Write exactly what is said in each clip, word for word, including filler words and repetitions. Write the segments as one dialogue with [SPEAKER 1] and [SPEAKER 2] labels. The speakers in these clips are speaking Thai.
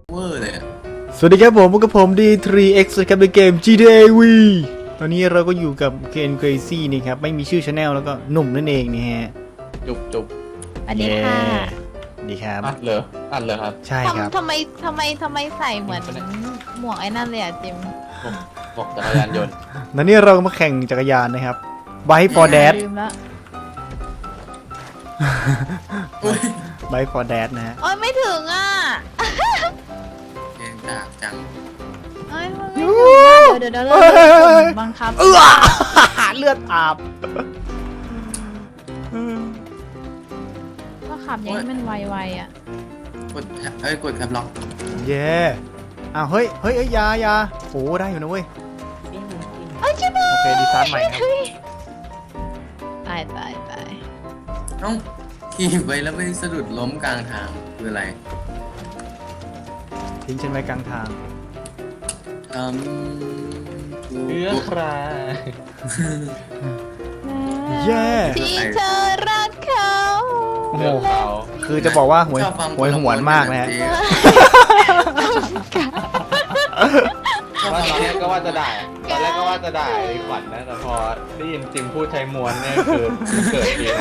[SPEAKER 1] เวอร์เลยอะ
[SPEAKER 2] สวัสดีครับผมพบกับผม ดี ทรี เอ็กซ์ ครับในเกม จี ที เอ วี ตอนนี้เราก็อยู่กับเกน Crazy นี่ครับไม่มีชื่อช anel แล้วก็หนุ่มนั่นเองนี่ฮะ
[SPEAKER 3] จุบจุบ
[SPEAKER 4] สวัสดีค่ะ
[SPEAKER 2] ดีครับ
[SPEAKER 3] อัดเลยอัดเลยครับ
[SPEAKER 2] ใช่ครับ
[SPEAKER 4] ทำทำไมทำไมทำไมใส่เหมือนหมวกไอ้นั่นเลยอ่ะจิม
[SPEAKER 3] ผมบอกจักรยานยนต์
[SPEAKER 2] แล้วนี่เราก็มาแข่งจักรยานนะครับ Bike for Dad
[SPEAKER 4] ลืมละ
[SPEAKER 2] Bike for Dad นะฮะ
[SPEAKER 4] โอ้ยไม่ถึงอ่ะ
[SPEAKER 1] เกมจากจัง
[SPEAKER 4] โอ้ยมันไม่ถึงอ่ะเดี๋ยวเดี๋ยวเดี๋ยวเราบังคับ
[SPEAKER 2] เออเลือดอาบ
[SPEAKER 4] ก็ขับอย่างนี้มันไวๆอ่ะ
[SPEAKER 1] กดแท็บเอ้ยกดแท็บล็อก
[SPEAKER 2] เย่อ้าวเฮ้ยเฮ้ยเอ้ยอยาอยาโอ้ได้อยู่นะเว้ย
[SPEAKER 4] เอ้ยจิม
[SPEAKER 2] โอเคดีไซน์ใหม่ครับ
[SPEAKER 4] ตายตายตาย
[SPEAKER 1] เอ้าขี่ไปแล้วไปสะดุดล้มกลางทางคืออะไร
[SPEAKER 2] ทิ้งฉันไว้กลางทาง
[SPEAKER 1] อืมกู
[SPEAKER 3] เอื้อครา
[SPEAKER 2] เย่
[SPEAKER 4] ที่เธอรักเขา
[SPEAKER 2] โอ้โห
[SPEAKER 3] เรื่องเขา
[SPEAKER 2] คือจะบอกว่าหวย
[SPEAKER 1] ชอบฟัง
[SPEAKER 2] หวยหวนมากนะฮะ
[SPEAKER 1] เจ๊
[SPEAKER 3] ว่าตอนแรกก็ว่าจะด่าตอนแรกก็ว่าจะด่าไอ้ขวัญนะแต่พอได้ยินจิมพูดใช้มวนเนี่ยคือเกิดเอง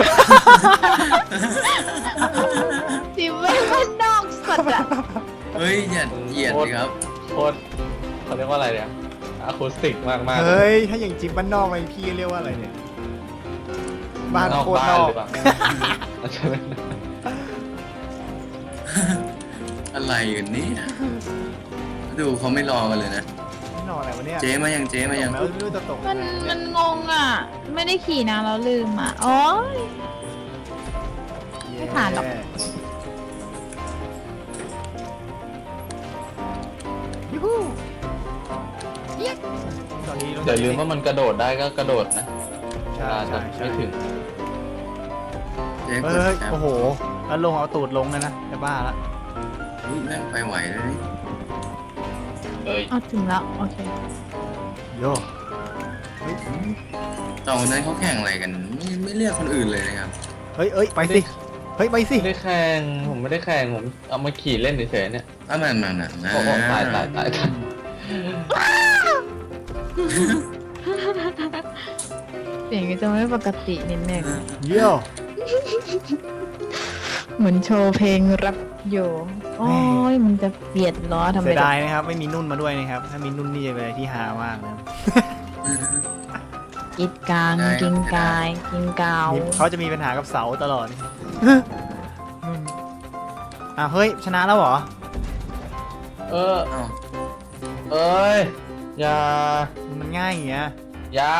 [SPEAKER 4] จิมไม่เป็นนอกสัตว์อ่ะ
[SPEAKER 1] เฮ้ยอย่าเหยียดสิครับ
[SPEAKER 3] โคตรเขาเรียกว่าอะไรเนี่ยอะคูสติกมากมาก
[SPEAKER 2] เฮ้ย ถ้าอย่างจิ๊บบ้านนอกไปพี่เรียกว่าอะไรเนี่ย บ้านโคตรนอก
[SPEAKER 3] หรือเปล่าใช่ไหม
[SPEAKER 1] อะไรกันเนี่ยดูเขาไม่รอกันเลยนะ
[SPEAKER 2] ไม่นอนอะไรวะเนี่ย
[SPEAKER 1] เจ๊มายังเจ๊มายัง
[SPEAKER 2] แล้วไม่รู้จะตก
[SPEAKER 4] มันมันงงอ่ะ ไม่ได้ขี่นะเราลืมอ่ะโอ้ย ไม่ผ่านหรอก
[SPEAKER 2] ยูฮูตอนนี้
[SPEAKER 3] อย่าลืมว่ามันกระโดดได้ก็กระโดดนะ
[SPEAKER 2] ใช่
[SPEAKER 3] อาจจะ
[SPEAKER 2] ใช่
[SPEAKER 3] ไม่ถึง
[SPEAKER 1] เจ๊ก
[SPEAKER 2] เฮ้
[SPEAKER 1] ด
[SPEAKER 2] ย
[SPEAKER 1] แท็บ
[SPEAKER 2] โอ้โหแล้วลงเอาตูดลงเลยนะจะบ้าละ
[SPEAKER 1] เฮ้ยแม่งไปไหวเลยนี่
[SPEAKER 3] เอ้ย
[SPEAKER 4] เอาถึงแล้วโอเค
[SPEAKER 2] โยเฮ้ย
[SPEAKER 1] ตอนนั้นเขาแข่งอะไรกันไม่ไม่เรียกคนอื่นเลยนะครับ
[SPEAKER 2] เฮ้ยเอ้ยไปสิเฮ้ยไปสิ
[SPEAKER 3] ไม่ได้แข่งผมไม่ได้แข่งผมเอามาขี่เล่นเฉยๆเนี่ย
[SPEAKER 1] อ่ะมันมันมันนะ
[SPEAKER 3] โอ้โหตายตายตายตาย
[SPEAKER 4] เสียงก็จะไม่ปกตินิดนึง
[SPEAKER 2] เยี่ยว
[SPEAKER 4] เหมือนโชว์เพลงรับอยู่โอ้ยมันจะเบียดล้อทำไม
[SPEAKER 2] เสียดายนะครับไม่มีนุ่นมาด้วยนะครับถ้ามีนุ่นนี่จะเป็นอะไรที่ฮามากนะ
[SPEAKER 4] กิดกลางกินกายกินกาว
[SPEAKER 2] เขาจะมีปัญหากับเสาตลอดอ้าวเฮ้ยชนะแล้วเหรอ
[SPEAKER 3] เออ
[SPEAKER 1] เอ้า
[SPEAKER 3] เอ้ยอย่า
[SPEAKER 2] มันง่ายอย่างเงี้ย
[SPEAKER 3] อย่า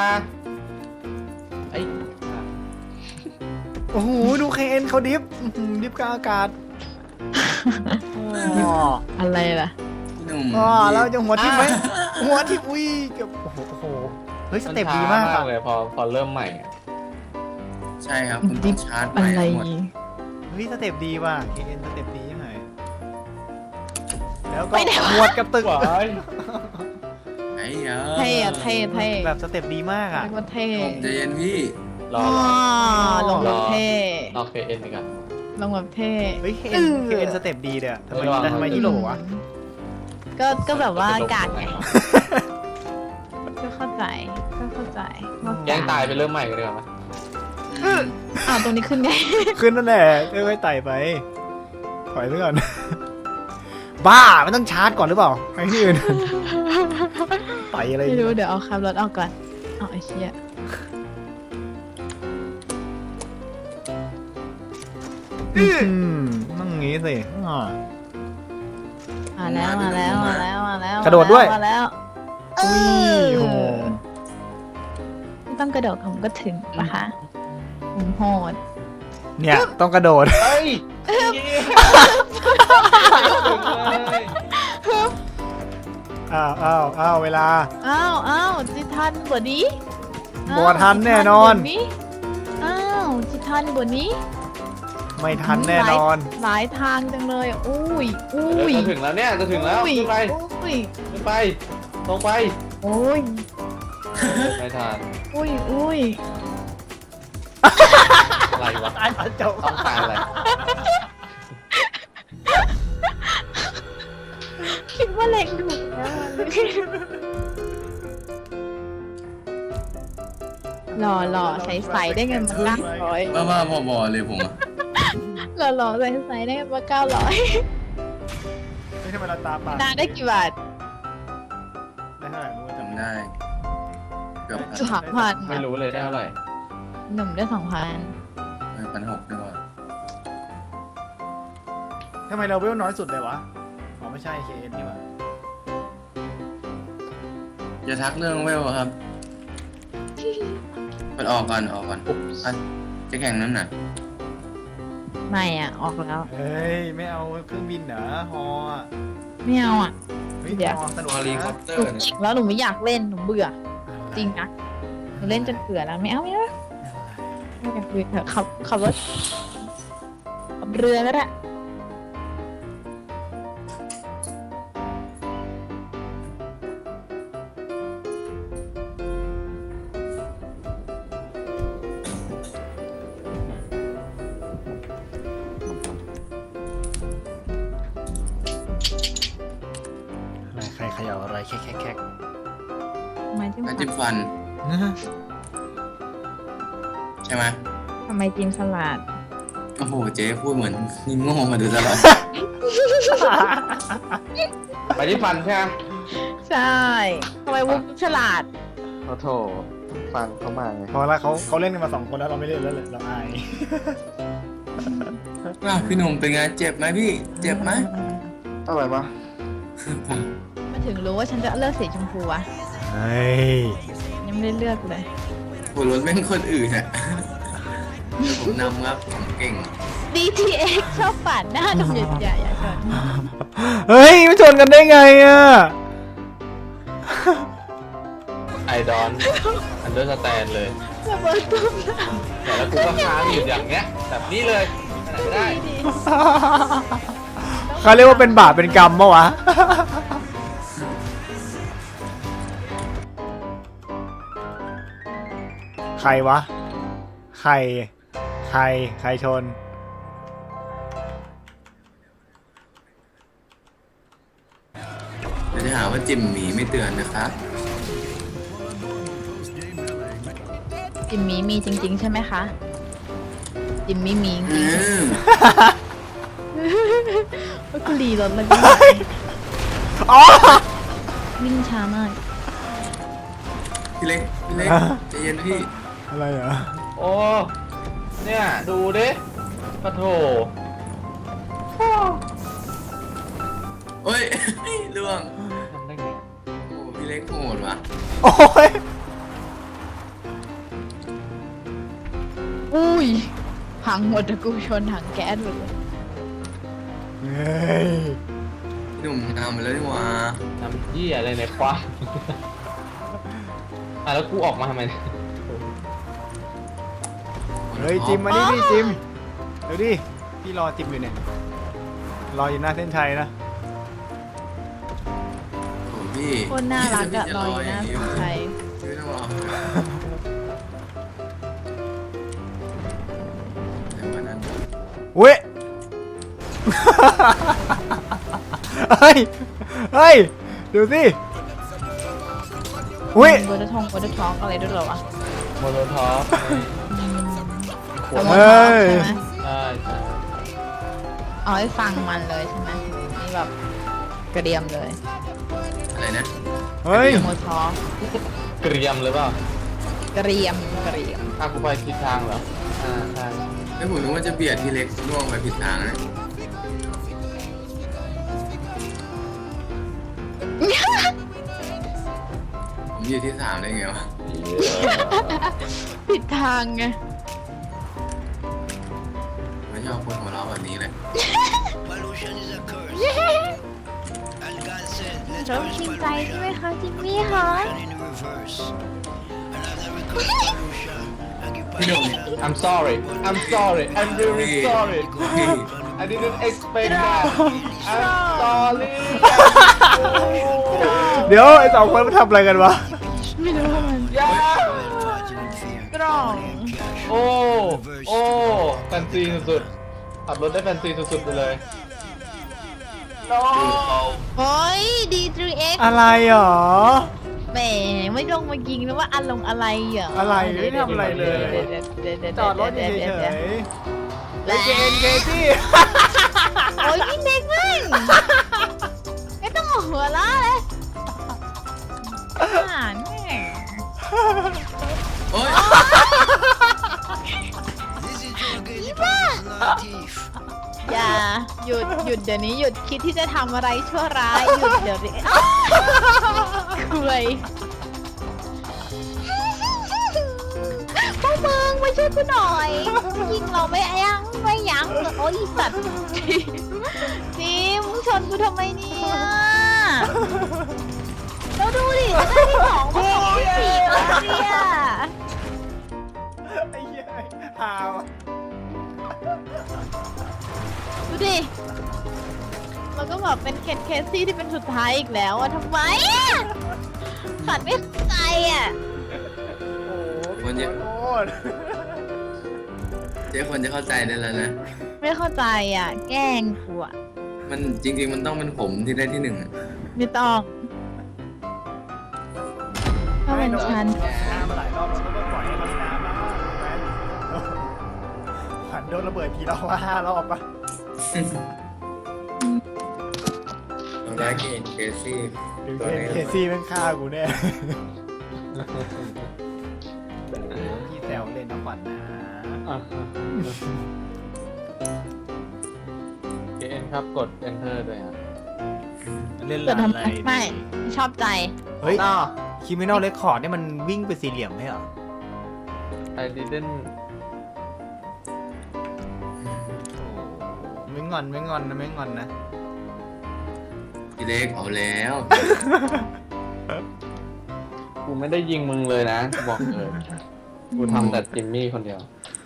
[SPEAKER 3] ไอ้
[SPEAKER 2] โอ้โหดูเคเอ็นเขาดิฟอื้อหือดิฟกลางอากาศอ๋อ
[SPEAKER 4] อะไรล่ะ
[SPEAKER 1] พี่หนุ่ม
[SPEAKER 2] อ๋อแล้วจะหัวทิ่มไหมหัวทิ่มอุ้ยเกับโอ้โหโอ้โหเฮ้ยสเต็ปดีมาก
[SPEAKER 3] นช้
[SPEAKER 2] อะ
[SPEAKER 3] เลยพอพอเริ่มใหม่อะ
[SPEAKER 1] ใช่ครับคุณต้องชาร์จไป
[SPEAKER 4] อะไร
[SPEAKER 1] หมด
[SPEAKER 2] เฮ้ยสเต็ปดีว่ะเคเอ็นสเต็ปดียังไงแล้วก็หวดกับตึก
[SPEAKER 3] ว้าย
[SPEAKER 1] ไอ้ยา
[SPEAKER 4] เท่อะเท่เท่
[SPEAKER 2] แบบสเต็ปดีมากอ่ะ
[SPEAKER 4] เรียกว่าเท่
[SPEAKER 1] ใจเย็นพี่
[SPEAKER 3] รอ
[SPEAKER 4] อ๋อ
[SPEAKER 3] รอ
[SPEAKER 4] ลงแบบเท่
[SPEAKER 3] รอเคเอ็นอีกอ่ะ
[SPEAKER 4] ลงแบบเท่
[SPEAKER 2] เฮ้ยเคเอ็นเคเอ็นสเต็ปดีเด้อทำไม
[SPEAKER 3] ไม่ระวัง
[SPEAKER 2] ทำไมที่โหลวะ
[SPEAKER 4] ก็ก็แบบว่ากาดไง
[SPEAKER 3] ป
[SPEAKER 4] ก็เข้าใจก็เข้าใจว่
[SPEAKER 3] แย่งตายไปเริ่มใหม่กันดีกว่าไหม
[SPEAKER 1] อืม
[SPEAKER 4] อ้าวตรงนี้ขึ้นไง
[SPEAKER 2] ขึ้นนั่นแหละค่อยๆไต่ไปถอยไปก่อน บ้ามันต้องชาร์จก่อนหรือเปล่าไอ้ที่อื่น ไต่อะไร
[SPEAKER 4] ไม่
[SPEAKER 2] เนี่ย
[SPEAKER 4] รู้เดี๋ยวเอาขับรถออกก่อนเอาไอ้เชี่ย
[SPEAKER 2] อืมต้องงี้สิอ่า
[SPEAKER 4] มาแล้วมาแล้วมาแล้วมาแล้ว
[SPEAKER 2] กระโดดด้วย
[SPEAKER 4] มาแล้วเอ
[SPEAKER 2] อุ้ย
[SPEAKER 4] อ
[SPEAKER 2] โห
[SPEAKER 4] ไม่ต้องกระโดดผมก็ถึงปะคะผมโหด
[SPEAKER 2] เนี่ยต้องกระโดด
[SPEAKER 3] เฮ้ย
[SPEAKER 2] อ้าวอ้าวอ้าวเวลา
[SPEAKER 4] อ้าวอ้าวจิทันบวนี้
[SPEAKER 2] บ่ทันแน่นอน
[SPEAKER 4] อ้าวจิทันบวนี้
[SPEAKER 2] ไม่ทันแน่นอน
[SPEAKER 4] หลายทางจังเลยอ่ะอุ้ยอุ้ย
[SPEAKER 3] จะถึงแล้วเนี่ยจะถึงแล้ว
[SPEAKER 4] อุ้ย
[SPEAKER 3] ขึ้นไป
[SPEAKER 4] อุ้ย
[SPEAKER 3] ขึ้นไปตรงไป
[SPEAKER 4] อุ้ย
[SPEAKER 3] ไม่ทัน
[SPEAKER 4] อุ้ยอุ้ย
[SPEAKER 3] อะไรวะ
[SPEAKER 2] ตายตอนจบ
[SPEAKER 3] ต้องการอะไร
[SPEAKER 4] ว่าเล็งถูกนะหล่อหล่อใสใสได้เงินมาเก้าร้อย
[SPEAKER 1] บ้าบ้าบอบอเลยผมอะ
[SPEAKER 4] หล่อหล่อใสใสได้เงินมาเก้าร้อย
[SPEAKER 2] ไม่ทำไมเราตาปาก
[SPEAKER 4] นานได้กี่บาท
[SPEAKER 2] ได้เท่าไหร่รู้ว่าจำ
[SPEAKER 1] จำ
[SPEAKER 2] ได้
[SPEAKER 1] ได้เกือบพัน
[SPEAKER 4] สามพัน
[SPEAKER 3] ไม่รู้เลยได้เท่าไหร่
[SPEAKER 4] หนุ่มได้สองพัน
[SPEAKER 1] พันหกด้วย
[SPEAKER 2] ทำไมเราเวลน้อยสุดเลยวะอ๋อไม่ใช่ เค เอ็น นี่หว่า
[SPEAKER 1] จะทักเรื่องเวลอะครับเปิดออกก่อนออกก่อนอ่ะจะแข่งนั้นน่ะ
[SPEAKER 4] ไม่อ่ะ ออกแล้ว
[SPEAKER 2] เฮ้ย ไม่เอาเครื่องบินเหรอฮออะ
[SPEAKER 4] ไม่เอาอ่ะ
[SPEAKER 2] เฮ้ย
[SPEAKER 4] เดี๋ยว
[SPEAKER 2] ฮอสนุก
[SPEAKER 1] ฮอลีคอ
[SPEAKER 2] นะ
[SPEAKER 1] ปเตอ
[SPEAKER 4] หนู
[SPEAKER 1] ร์เนี่ย
[SPEAKER 4] เก่งแล้วหนูไม่อยากเล่นหนูเบื่อ จริงนะหนูเล่นจนเบื่อแล้วไม่เอาไม่เอาไม่อยากเบื่อเถอะขับขับรถขับเรือก็ได้
[SPEAKER 2] อะไรใครเขย่าอะไรแคกแคกแคก
[SPEAKER 4] ทำไมจิ้ม
[SPEAKER 1] น้ำจิ้มฟัน ใช่ไหม
[SPEAKER 4] ทำไมจิ้มสลัด
[SPEAKER 1] โอ้โหเจ๊พูดเหมือนนี่โง่มาโดยตลอด
[SPEAKER 3] ไปที่ฟันใช่ไหม
[SPEAKER 4] ใช่ทำไมวุ้ฉลาด
[SPEAKER 3] โอ้โถฟังเข้ามาไง
[SPEAKER 2] พอแล้วเขาเขาเล่นกันมาสองคนแล้วเราไม่เล่นแล้วเลยเราอาย
[SPEAKER 1] อ้าวพี่หนุ่มเป็นไงเจ็บไหมพี่ เจ็บไหม
[SPEAKER 3] อะไรวะ
[SPEAKER 4] มาถึงรู้ว่าฉันจะเลือกสีชมพูอะ
[SPEAKER 2] เฮ้ย
[SPEAKER 4] ยังไม่ได้เลือกเลย
[SPEAKER 1] หัวรถแม่งคนอื่นอะผมนำครับผมเก่ง
[SPEAKER 4] ดี ที เอ็กซ์ ชอบปาดหน้าหนุ่มใหญ่ๆอย่าชน
[SPEAKER 2] เฮ้ยไม่ชนกันได้ไงอ่ะ
[SPEAKER 3] ไอดอนอันเดอร์สแตนเลย
[SPEAKER 4] ระเบิดตุ้มหน้า
[SPEAKER 3] แต่แล้วกูก็ค้างอยู่อย่างเงี้ยแบบนี้เลยไปไหนไม่ได้
[SPEAKER 4] ดี
[SPEAKER 2] เขาเรียกว่าเป็นบาปเป็นกรรมปะวะ ใครวะ ใคร ใคร ใครชน
[SPEAKER 1] เดี๋ยวจะหาว่าจิมหมีไม่เตือนนะครับ
[SPEAKER 4] จิมมี่มีจริง ๆ ใช่ไหมคะ จิมมี่มีจ
[SPEAKER 1] อื
[SPEAKER 4] ริง
[SPEAKER 1] ม
[SPEAKER 4] ๆว่ากูรีรถแล้วก็
[SPEAKER 2] อ๋อ
[SPEAKER 4] วิ่งช้ามาก
[SPEAKER 1] พี่เล็กพี่เล็กใจเย็นพี่
[SPEAKER 2] อะไรเหรอ
[SPEAKER 3] โอ้ เนี่ยดูดิปะโถ
[SPEAKER 1] โอ้ย ล่วง
[SPEAKER 3] ทำได้ไง
[SPEAKER 1] โอ้พี่เล็กโหดว่ะ
[SPEAKER 2] โอ้ย
[SPEAKER 4] อุ้ยพังหมดอะกูชนถังแก๊สหมดเลย
[SPEAKER 2] เฮ้ย
[SPEAKER 1] พี่หนุ่มทำมาแล้วนี่หว่า
[SPEAKER 3] ทำยี่อะไรในควายอ่ะแล้วกูออกมาทำไมเนี่ย
[SPEAKER 2] เฮ้ยจิมมานี่ดิจิมเดี๋ยวดิ พี่รอจิมอยู่เนี่ย รออยู่หน้าเส้นชัยนะ
[SPEAKER 1] โอ้พี่
[SPEAKER 4] โคนน่ารักอะรออยู่หน้าสุดไทย
[SPEAKER 1] ไม่ต้องรอเดี๋ยววันนั้น
[SPEAKER 2] เว้ย เฮ้ย เฮ้ย ดูสิอุ้ย
[SPEAKER 4] โบดทองโบดท็อกอะไรด้วยเหรอวะ
[SPEAKER 3] โมโนท็อป
[SPEAKER 4] แต่โมดท็อกใช่ไหม
[SPEAKER 3] ใช่ใช่
[SPEAKER 4] เอาให้ฟังมันเลยใช่ไหมนี่แบบกระเดียมเลย
[SPEAKER 1] อะไรนะ
[SPEAKER 2] เฮ้ย
[SPEAKER 4] โมดท็อก
[SPEAKER 3] เกรียมเลยเปล่าก
[SPEAKER 4] ระเรียมกระเรียม
[SPEAKER 3] อ่ะกูไปทิศทางเหรอ อ่าใช่
[SPEAKER 1] ไม่ผมนึกว่าจะเบียดพี่เล็กล่วงไปผิดทางนะผมอยู่ที่สามได้ไงวะ
[SPEAKER 4] ผิดทางไง
[SPEAKER 1] ไม่ชอบคนหัวเราะแบบนี้เลย
[SPEAKER 4] ชอบชิงใจใช่ไหมคะจิมมี่คะ
[SPEAKER 1] พี่หนุ่ม
[SPEAKER 3] I'm sorry I'm sorry I'm really
[SPEAKER 1] พี่
[SPEAKER 3] sorry
[SPEAKER 1] พี่
[SPEAKER 3] I didn't expect that I'm sorry
[SPEAKER 2] เดี๋ยวไอ้สองคนมันทำอะไรกันวะ
[SPEAKER 4] ไม่รู้ว่ามัน
[SPEAKER 3] ย่าก
[SPEAKER 4] ล้อง
[SPEAKER 3] โอ้ โอ้แฟนซีสุดๆขับรถได้แฟนซีสุดๆไปเลย no
[SPEAKER 4] โอ้ยดีทรีเอ็ก
[SPEAKER 2] อะไรหรอ
[SPEAKER 4] แหมไม่ลงมายิงแล้วว่าอารมณ์อะไรเหรอ
[SPEAKER 2] อะไรไม่ทำอะไรเลย จอดรถเฉยๆเฮ้ยเจนเคซี่
[SPEAKER 4] โอ้ยพี่เด็กแม่งไม่ต้องหัวล้อเลยอ่านแม่ง
[SPEAKER 1] โอ๊ย
[SPEAKER 4] อย่าหยุดหยุดเดี๋ยวนี้หยุดคิดที่จะทำอะไรชั่วร้ายหยุดเดี๋ยวนี้คุยพวกมึงมาช่วยกูหน่อยยิงเราไม่ยั้งไม่ยั้งเลยโอ้ยอีสัตว์จีมึงชนกูทำไมเนี่ยเราดูดิจะได้ที่สองเพลงที่สี่แล้วเนี่ย
[SPEAKER 2] ไอ้เหี้ยหาว
[SPEAKER 4] ดูดิเราก็แบบเป็นเคนเคซี่ที่เป็นสุดท้ายอีกแล้วอะทำไมอะขัดไม่เข้าใจอะ
[SPEAKER 2] โอ้โห
[SPEAKER 1] คนเยอะ
[SPEAKER 2] โคตร
[SPEAKER 1] เจ๊ควรจะเข้าใจได้แล้วนะ
[SPEAKER 4] ไม่เข้าใจอะแกล้งกูอะ
[SPEAKER 1] มันจริงๆมันต้องเป็นผมที่ได้ที่หนึ่งอะ
[SPEAKER 4] ไม่ต้องถ้าเป็นฉัน
[SPEAKER 2] ชนะมาหลายรอบแล้วก็ปล่อยให้เขาชนะบ้างแมนขวัญโดนระเบิดกี่รอบว่าห้ารอบปะ
[SPEAKER 1] ทำร้ายเกนเคซี่
[SPEAKER 2] หรือ
[SPEAKER 1] ตัวนี้
[SPEAKER 2] เคซี่แม่งฆ่ากูแน่พี่แซวเล่นนะขวัญนะ
[SPEAKER 3] เอ็นครับกด enter ด้วยครับ
[SPEAKER 2] เล่น
[SPEAKER 4] เกิด
[SPEAKER 2] ร้าน
[SPEAKER 4] ทำ
[SPEAKER 2] อะไร
[SPEAKER 4] ไมไม่ชอบใจ
[SPEAKER 2] เฮ้ยคิมินอลเรคคอร์ดเนี่ยมันวิ่งไปสี่เหลี่ยมไหมเหรอ
[SPEAKER 3] ไอ didn't
[SPEAKER 2] ไม่งอนไม่งอนนะไม่งอนนะ
[SPEAKER 1] พี่เล็กเอาแล้ว
[SPEAKER 3] กูไม่ได้ยิงมึงเลยนะ บอกเลย กูทำแต่จิมมี่คนเดียว